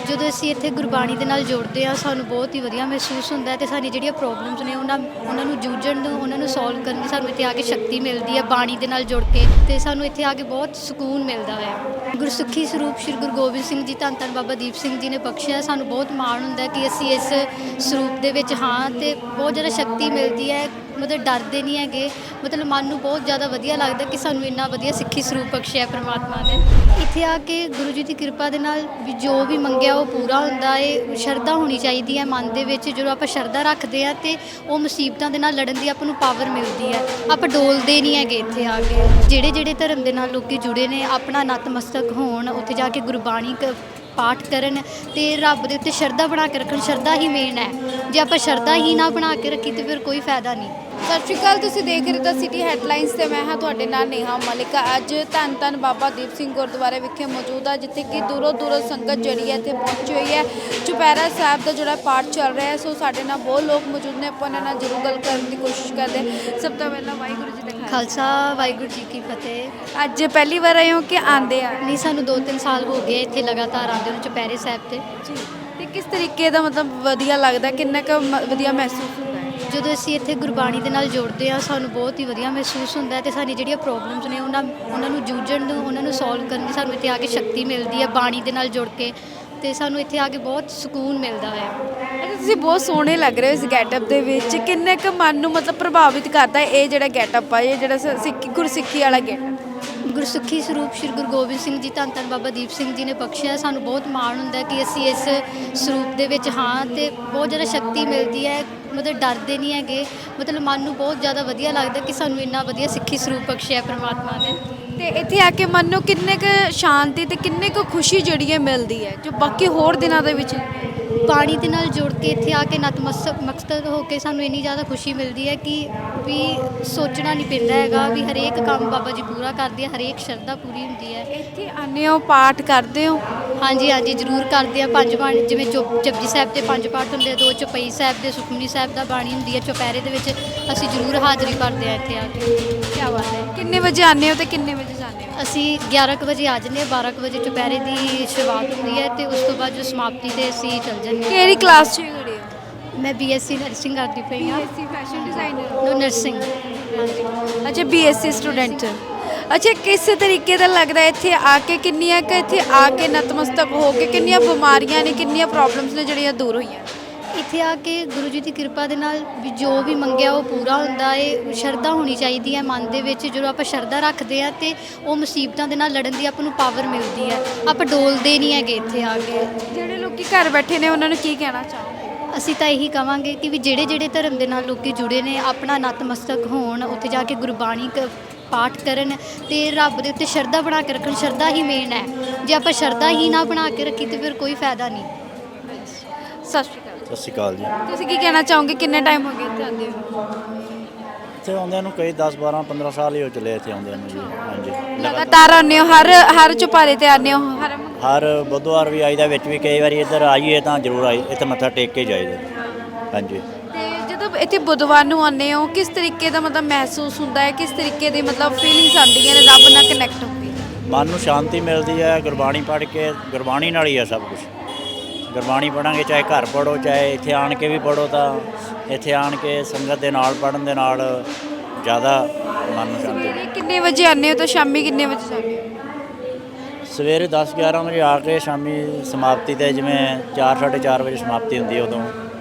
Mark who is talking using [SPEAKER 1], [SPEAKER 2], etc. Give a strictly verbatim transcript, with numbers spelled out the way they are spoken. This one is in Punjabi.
[SPEAKER 1] ਜਦੋਂ ਅਸੀਂ ਇੱਥੇ ਗੁਰਬਾਣੀ ਦੇ ਨਾਲ ਜੁੜਦੇ ਹਾਂ ਸਾਨੂੰ ਬਹੁਤ ਹੀ ਵਧੀਆ ਮਹਿਸੂਸ ਹੁੰਦਾ ਹੈ ਤੇ ਸਾਡੀ ਜਿਹੜੀਆਂ ਪ੍ਰੋਬਲਮਸ ਨੇ ਉਹਨਾਂ ਉਹਨਾਂ ਨੂੰ ਜੂਝਣ ਨੂੰ ਉਹਨਾਂ ਨੂੰ ਸੋਲਵ ਕਰਨ ਦੀ ਸਾਨੂੰ ਇੱਥੇ ਆ ਕੇ ਸ਼ਕਤੀ ਮਿਲਦੀ ਹੈ ਬਾਣੀ ਦੇ ਨਾਲ ਜੁੜ ਕੇ ਤੇ ਸਾਨੂੰ ਇੱਥੇ ਆ ਕੇ ਬਹੁਤ ਸਕੂਨ ਮਿਲਦਾ ਹੈ। ਗੁਰਸਿੱਖੀ ਸਰੂਪ ਸ਼੍ਰੀ ਗੁਰੂ ਗੋਬਿੰਦ ਸਿੰਘ ਜੀ ਧੰਨ ਧੰਨ ਬਾਬਾ ਦੀਪ ਸਿੰਘ ਜੀ ਨੇ ਬਖਸ਼ਿਆ। ਸਾਨੂੰ ਬਹੁਤ ਮਾਣ ਹੁੰਦਾ ਕਿ ਅਸੀਂ ਇਸ ਸਰੂਪ ਦੇ ਵਿੱਚ ਹਾਂ ਤੇ ਬਹੁਤ ਜ਼ਿਆਦਾ ਸ਼ਕਤੀ ਮਿਲਦੀ ਹੈ। ਮਤਲਬ ਡਰਦੇ ਨਹੀਂ ਹੈਗੇ, ਮਤਲਬ ਮਨ ਨੂੰ ਬਹੁਤ ਜ਼ਿਆਦਾ ਵਧੀਆ ਲੱਗਦਾ ਕਿ ਸਾਨੂੰ ਇੰਨਾ ਵਧੀਆ ਸਿੱਖੀ ਸਰੂਪ ਬਖਸ਼ਿਆ ਪਰਮਾਤਮਾ ਨੇ। ਇੱਥੇ ਆ ਕੇ ਗੁਰੂ ਜੀ ਦੀ ਕਿਰਪਾ ਦੇ ਨਾਲ ਵੀ ਜੋ ਵੀ ਮੰਗਿਆ ਉਹ ਪੂਰਾ ਹੁੰਦਾ ਹੈ। ਸ਼ਰਧਾ ਹੋਣੀ ਚਾਹੀਦੀ ਹੈ ਮਨ ਦੇ ਵਿੱਚ। ਜਦੋਂ ਆਪਾਂ ਸ਼ਰਧਾ ਰੱਖਦੇ ਹਾਂ ਤੇ ਉਹ ਮੁਸੀਬਤਾਂ ਦੇ ਨਾਲ ਲੜਨ ਦੀ ਆਪਾਂ ਨੂੰ ਪਾਵਰ ਮਿਲਦੀ ਹੈ। ਆਪਾਂ ਡੋਲਦੇ ਨਹੀਂ ਹੈਗੇ ਇੱਥੇ ਆ ਕੇ। ਜਿਹੜੇ ਜਿਹੜੇ ਧਰਮ ਦੇ ਨਾਲ ਲੋਕੀ ਜੁੜੇ ਨੇ ਆਪਣਾ ਨਤਮਸਤਕ ਹੋਣ, ਉੱਥੇ ਜਾ ਕੇ ਗੁਰਬਾਣੀ ਕ ਪਾਠ ਕਰਨ ਤੇ ਰੱਬ ਦੇ ਉੱਤੇ ਸ਼ਰਧਾ ਬਣਾ ਕੇ ਰੱਖਣ। ਸ਼ਰਧਾ ਹੀ ਮੇਨ ਹੈ। ਜੇ ਆਪਾਂ ਸ਼ਰਧਾ ਹੀ ਨਾ ਬਣਾ ਕੇ ਰੱਖੀ ਤੇ ਫਿਰ ਕੋਈ ਫਾਇਦਾ ਨਹੀਂ।
[SPEAKER 2] ਸਤਿ ਸ਼੍ਰੀ ਅਕਾਲ, ਤੁਸੀਂ ਦੇਖ ਰਹੇ ਤਾਂ ਸਿਟੀ ਹੈਡਲਾਈਨਸ ਤੇ ਮੈਂ ਹਾਂ ਤੁਹਾਡੇ ਨਾਲ ਨੇਹਾ ਮਲਿਕ। ਅੱਜ ਧੰਨ ਧੰਨ ਬਾਬਾ ਦੀਪ ਸਿੰਘ ਗੁਰਦੁਆਰੇ ਵਿਖੇ ਮੌਜੂਦ ਆ ਜਿੱਥੇ ਕਿ ਦੂਰੋਂ ਦੂਰੋਂ ਸੰਗਤ ਜਿਹੜੀ ਹੈ ਇੱਥੇ ਪਹੁੰਚੀ ਹੋਈ ਹੈ। ਚੁਪਹਿਰਾ ਸਾਹਿਬ ਦਾ ਜਿਹੜਾ ਪਾਠ ਚੱਲ ਰਿਹਾ ਹੈ, ਸੋ ਸਾਡੇ ਨਾਲ ਬਹੁਤ ਲੋਕ ਮੌਜੂਦ ਨੇ। ਆਪਾਂ ਉਹਨਾਂ ਨਾਲ ਜ਼ਰੂਰ ਗੱਲ ਕਰਨ ਦੀ ਕੋਸ਼ਿਸ਼ ਕਰਦੇ। ਸਭ ਤੋਂ ਪਹਿਲਾਂ ਵਾਹਿਗੁਰੂ ਜੀ ਦਾ
[SPEAKER 1] ਖਾਲਸਾ ਵਾਹਿਗੁਰੂ ਜੀ ਕੀ ਫਤਿਹ।
[SPEAKER 2] ਅੱਜ ਪਹਿਲੀ ਵਾਰ ਆਏ ਹੋ ਕਿ ਆਂਦੇ ਆ?
[SPEAKER 1] ਨਹੀਂ, ਸਾਨੂੰ ਦੋ ਤਿੰਨ ਸਾਲ ਹੋ ਗਏ ਇੱਥੇ ਲਗਾਤਾਰ ਆਉਂਦੇ ਨੂੰ ਚੁਪਹਿਰੇ ਸਾਹਿਬ ਤੇ।
[SPEAKER 2] ਤੇ ਕਿਸ ਤਰੀਕੇ ਦਾ ਮਤਲਬ ਵਧੀਆ ਲੱਗਦਾ, ਕਿੰਨਾ ਕੁ ਮ- ਵਧੀਆ ਮਹਿਸੂਸ ਹੁੰਦਾ ਹੈ?
[SPEAKER 1] ਜਦੋਂ ਅਸੀਂ ਇੱਥੇ ਗੁਰਬਾਣੀ ਦੇ ਨਾਲ ਜੁੜਦੇ ਹਾਂ ਸਾਨੂੰ ਬਹੁਤ ਹੀ ਵਧੀਆ ਮਹਿਸੂਸ ਹੁੰਦਾ ਹੈ ਤੇ ਸਾਡੀ ਜਿਹੜੀਆਂ ਪ੍ਰੋਬਲਮਸ ਨੇ ਉਹਨਾਂ ਉਹਨਾਂ ਨੂੰ ਜੂਝਣ ਨੂੰ ਉਹਨਾਂ ਨੂੰ ਸੋਲਵ ਕਰਨ ਦੀ ਸਾਨੂੰ ਇੱਥੇ ਆ ਕੇ ਸ਼ਕਤੀ ਮਿਲਦੀ ਹੈ ਬਾਣੀ ਦੇ ਨਾਲ ਜੁੜ ਕੇ ਤੇ ਸਾਨੂੰ ਇੱਥੇ ਆ ਕੇ ਬਹੁਤ ਸਕੂਨ ਮਿਲਦਾ ਹੈ।
[SPEAKER 2] ਅੱਛਾ, ਤੁਸੀਂ ਬਹੁਤ ਸੋਹਣੇ ਲੱਗ ਰਹੇ ਹੋ ਇਸ ਗੈਟਅਪ ਦੇ ਵਿੱਚ। ਕਿੰਨੇ ਕੁ ਮਨ ਨੂੰ ਮਤਲਬ ਪ੍ਰਭਾਵਿਤ ਕਰਦਾ ਹੈ ਇਹ ਜਿਹੜਾ ਗੈਟਅਪ ਆ, ਇਹ ਜਿਹੜਾ ਸ- ਸਿੱਖੀ ਗੁਰਸਿੱਖੀ ਵਾਲਾ ਗੈਟਅਪ?
[SPEAKER 1] ਗੁਰਸਿੱਖੀ ਸਰੂਪ ਸ਼੍ਰੀ ਗੁਰੂ ਗੋਬਿੰਦ ਸਿੰਘ ਜੀ ਧੰਨ ਧੰਨ ਬਾਬਾ ਦੀਪ ਸਿੰਘ ਜੀ ਨੇ ਬਖਸ਼ਿਆ। ਸਾਨੂੰ ਬਹੁਤ ਮਾਣ ਹੁੰਦਾ ਕਿ ਅਸੀਂ ਇਸ ਸਰੂਪ ਦੇ ਵਿੱਚ ਹਾਂ ਤੇ ਬਹੁਤ ਜ਼ਿਆਦਾ ਸ਼ਕਤੀ ਮਿਲਦੀ ਹੈ। ਮਤਲਬ ਡਰਦੇ ਨਹੀਂ ਹੈਗੇ, ਮਤਲਬ ਮਨ ਨੂੰ ਬਹੁਤ ਜ਼ਿਆਦਾ ਵਧੀਆ ਲੱਗਦਾ ਕਿ ਸਾਨੂੰ ਇੰਨਾ ਵਧੀਆ ਸਿੱਖੀ ਸਰੂਪ ਬਖਸ਼ਿਆ ਪਰਮਾਤਮਾ ਨੇ।
[SPEAKER 2] ਤੇ ਇੱਥੇ ਆ ਕੇ ਮਨ ਨੂੰ ਕਿੰਨੇ ਕੁ ਸ਼ਾਂਤੀ ਤੇ ਕਿੰਨੇ ਕੁ ਖੁਸ਼ੀ ਜਿਹੜੀ ਹੈ ਮਿਲਦੀ ਹੈ ਜੋ ਬਾਕੀ ਹੋਰ ਦਿਨਾਂ ਦੇ ਵਿੱਚ?
[SPEAKER 1] ਬਾਣੀ ਦੇ ਨਾਲ ਜੁੜ ਕੇ ਇੱਥੇ ਆ ਕੇ ਨਤਮਸਤਕ ਮਕਸਦ ਹੋ ਕੇ ਸਾਨੂੰ ਇੰਨੀ ਜ਼ਿਆਦਾ ਖੁਸ਼ੀ ਮਿਲਦੀ ਹੈ ਕਿ ਵੀ ਸੋਚਣਾ ਨਹੀਂ ਪੈਂਦਾ ਹੈਗਾ ਵੀ ਹਰੇਕ ਕੰਮ ਬਾਬਾ ਜੀ ਪੂਰਾ ਕਰਦੇ ਆ, ਹਰੇਕ ਸ਼ਰਧਾ ਪੂਰੀ ਹੁੰਦੀ ਹੈ।
[SPEAKER 2] ਇੱਥੇ ਆਉਂਦੇ ਹੋ, ਪਾਠ ਕਰਦੇ ਹੋ?
[SPEAKER 1] ਹਾਂਜੀ ਹਾਂਜੀ ਜ਼ਰੂਰ ਕਰਦੇ ਆ। ਪੰਜ ਬਾਣੀ ਜਿਵੇਂ ਚੁਪ ਜਪਜੀ ਸਾਹਿਬ ਦੇ ਪੰਜ ਪਾਠ ਹੁੰਦੇ ਆ, ਦੋ ਚੌਪਈ ਸਾਹਿਬ ਦੇ, ਸੁਖਮਨੀ ਸਾਹਿਬ ਦਾ ਬਾਣੀ ਹੁੰਦੀ ਹੈ। ਚੁਪਹਿਰੇ ਦੇ ਵਿੱਚ ਅਸੀਂ ਜ਼ਰੂਰ ਹਾਜ਼ਰੀ ਭਰਦੇ ਹਾਂ ਇੱਥੇ ਆ ਕੇ।
[SPEAKER 2] ਕੀ ਬਾਤ ਹੈ। ਕਿੰਨੇ ਵਜੇ ਆਉਂਦੇ ਹੋ ਤੇ ਕਿੰਨੇ ਵਜੇ ਜਾਂਦੇ ਹੋ?
[SPEAKER 1] ਅਸੀਂ ਗਿਆਰਾਂ ਕੁ ਵਜੇ ਆ ਜਾਂਦੇ ਹਾਂ। ਬਾਰਾਂ ਕੁ ਵਜੇ ਚੁਪਹਿਰੇ ਦੀ ਸ਼ੁਰੂਆਤ ਹੁੰਦੀ ਹੈ ਤੇ ਉਸ ਤੋਂ ਬਾਅਦ ਜੋ ਸਮਾਪਤੀ ਤੇ ਅਸੀਂ ਚੱਲ ਜਾਂਦੇ ਹਾਂ।
[SPEAKER 2] ਕਿਹੜੀ ਕਲਾਸ 'ਚ ਖੜੇ ਹੋ?
[SPEAKER 1] ਮੈਂ ਬੀ ਐਸ ਸੀ ਨਰਸਿੰਗ ਕਰਦੀ ਪਈ ਹਾਂ।
[SPEAKER 2] BSc fashion designer.
[SPEAKER 1] No nursing. ਹਾਂਜੀ।
[SPEAKER 2] ਅੱਛਾ, ਬੀਐਸਸੀ ਸਟੂਡੈਂਟ। ਅੱਛਾ, ਕਿਸ ਤਰੀਕੇ ਦਾ ਲੱਗਦਾ ਇੱਥੇ ਆ ਕੇ? ਕਿੰਨੀਆਂ ਕਿ ਇੱਥੇ ਆ ਕੇ ਨਤਮਸਤਕ ਹੋ ਕੇ ਕਿੰਨੀਆਂ ਬਿਮਾਰੀਆਂ ਨੇ, ਕਿੰਨੀਆਂ ਪ੍ਰੋਬਲਮਸ ਨੇ ਜਿਹੜੀਆਂ ਦੂਰ ਹੋਈਆਂ?
[SPEAKER 1] ਇੱਥੇ ਆ ਕੇ ਗੁਰੂ ਜੀ ਦੀ ਕਿਰਪਾ ਦੇ ਨਾਲ ਵੀ ਜੋ ਵੀ ਮੰਗਿਆ ਉਹ ਪੂਰਾ ਹੁੰਦਾ ਹੈ। ਸ਼ਰਧਾ ਹੋਣੀ ਚਾਹੀਦੀ ਹੈ ਮਨ ਦੇ ਵਿੱਚ। ਜਦੋਂ ਆਪਾਂ ਸ਼ਰਧਾ ਰੱਖਦੇ ਹਾਂ ਤੇ ਉਹ ਮੁਸੀਬਤਾਂ ਦੇ ਨਾਲ ਲੜਨ ਦੀ ਆਪਾਂ ਨੂੰ ਪਾਵਰ ਮਿਲਦੀ ਹੈ। ਆਪਾਂ ਡੋਲਦੇ ਨਹੀਂ ਹੈਗੇ ਇੱਥੇ ਆ ਕੇ।
[SPEAKER 2] ਜਿਹੜੇ ਲੋਕੀ ਘਰ ਬੈਠੇ ਨੇ ਉਹਨਾਂ ਨੂੰ ਕੀ ਕਹਿਣਾ ਚਾਹੋਗੇ?
[SPEAKER 1] ਅਸੀਂ ਤਾਂ ਇਹੀ ਕਵਾਂਗੇ ਕਿ ਵੀ ਜਿਹੜੇ ਜਿਹੜੇ ਧਰਮ ਦੇ ਨਾਲ ਲੋਕੀ ਜੁੜੇ ਨੇ ਆਪਣਾ ਨਤਮਸਤਕ ਹੋਣ, ਉੱਥੇ ਜਾ ਕੇ ਗੁਰਬਾਣੀ ਕ ਪਾਠ ਕਰਨ ਤੇ ਰੱਬ ਦੇ ਉੱਤੇ ਸ਼ਰਧਾ ਬਣਾ ਕੇ ਰੱਖਣ। ਸ਼ਰਧਾ ਹੀ ਮੇਨ ਹੈ। ਜੇ ਆਪਾਂ ਸ਼ਰਧਾ ਹੀ ਨਾ ਬਣਾ ਕੇ ਰੱਖੀ ਤੇ ਫਿਰ ਕੋਈ ਫਾਇਦਾ ਨਹੀਂ।
[SPEAKER 2] ਸਤਿ ਸ਼੍ਰੀ ਅਕਾਲ।
[SPEAKER 3] ਸਤਿ ਸ਼੍ਰੀ ਅਕਾਲ ਜੀ।
[SPEAKER 2] ਤੁਸੀਂ ਕੀ ਕਹਿਣਾ ਚਾਹੋਗੇ? ਕਿੰਨੇ ਟਾਈਮ ਹੋ ਗਿਆ ਇੱਥੇ ਆਉਂਦੇ ਹੋ?
[SPEAKER 3] ਇੱਥੇ ਆਉਂਦਿਆਂ ਨੂੰ ਕਈ ਦਸ ਬਾਰਾਂ ਪੰਦਰਾਂ ਸਾਲ ਹੀ ਹੋ ਚੱਲੇ ਇੱਥੇ ਆਉਂਦਿਆਂ ਨੂੰ ਜੀ। ਹਾਂਜੀ,
[SPEAKER 2] ਲਗਾਤਾਰ ਆਉਂਦੇ ਹੋ? ਹਰ ਹਰ ਚੁਪਾਰੇ ਤੇ ਆਉਂਦੇ ਹੋ? ਹਰ
[SPEAKER 3] ਹਰ ਬੁੱਧਵਾਰ ਵੀ ਆਈਦਾ, ਵਿੱਚ ਵੀ ਕਈ ਵਾਰੀ ਇੱਧਰ ਆਈਏ ਤਾਂ ਜ਼ਰੂਰ ਆਈ ਇੱਥੇ ਮੱਥਾ ਟੇਕ ਕੇ ਜਾਈਦਾ। ਹਾਂਜੀ।
[SPEAKER 2] ਤੇ ਜਦੋਂ ਇੱਥੇ ਬੁੱਧਵਾਰ ਨੂੰ ਆਉਂਦੇ ਹੋ ਕਿਸ ਤਰੀਕੇ ਦਾ ਮਤਲਬ ਮਹਿਸੂਸ ਹੁੰਦਾ ਹੈ? ਕਿਸ ਤਰੀਕੇ ਦੀ ਮਤਲਬ ਫੀਲਿੰਗਸ ਆਉਂਦੀਆਂ ਨੇ ਰੱਬ ਨਾਲ ਕਨੈਕਟ ਹੋ ਕੇ?
[SPEAKER 3] ਮਨ ਨੂੰ ਸ਼ਾਂਤੀ ਮਿਲਦੀ ਹੈ। ਗੁਰਬਾਣੀ ਪੜ੍ਹ ਕੇ, ਗੁਰਬਾਣੀ ਨਾਲ ਹੀ ਹੈ ਸਭ ਕੁਛ। ਗੁਰਬਾਣੀ ਪੜ੍ਹਾਂਗੇ, ਚਾਹੇ ਘਰ ਪੜ੍ਹੋ ਚਾਹੇ ਇੱਥੇ ਆਣ ਕੇ ਵੀ ਪੜ੍ਹੋ, ਤਾਂ ਇੱਥੇ ਆਣ ਕੇ ਸੰਗਤ ਦੇ ਨਾਲ ਪੜ੍ਹਨ ਦੇ ਨਾਲ ਜ਼ਿਆਦਾ ਮਨ ਨੂੰ ਸ਼ਾਂਤੀ।
[SPEAKER 2] ਸਵੇਰੇ ਕਿੰਨੇ ਵਜੇ ਆਉਂਦੇ ਹੋ ਤੇ ਸ਼ਾਮੀ ਕਿੰਨੇ ਵਜੇ ਜਾਂਦੇ ਹੋ?
[SPEAKER 3] ਸਵੇਰੇ ਦਸ ਗਿਆਰਾਂ ਵਜੇ ਆ ਕੇ ਸ਼ਾਮੀ ਸਮਾਪਤੀ 'ਤੇ ਜਿਵੇਂ ਚਾਰ ਸਾਢੇ ਚਾਰ ਵਜੇ ਸਮਾਪਤੀ ਹੁੰਦੀ ਹੈ ਉਦੋਂ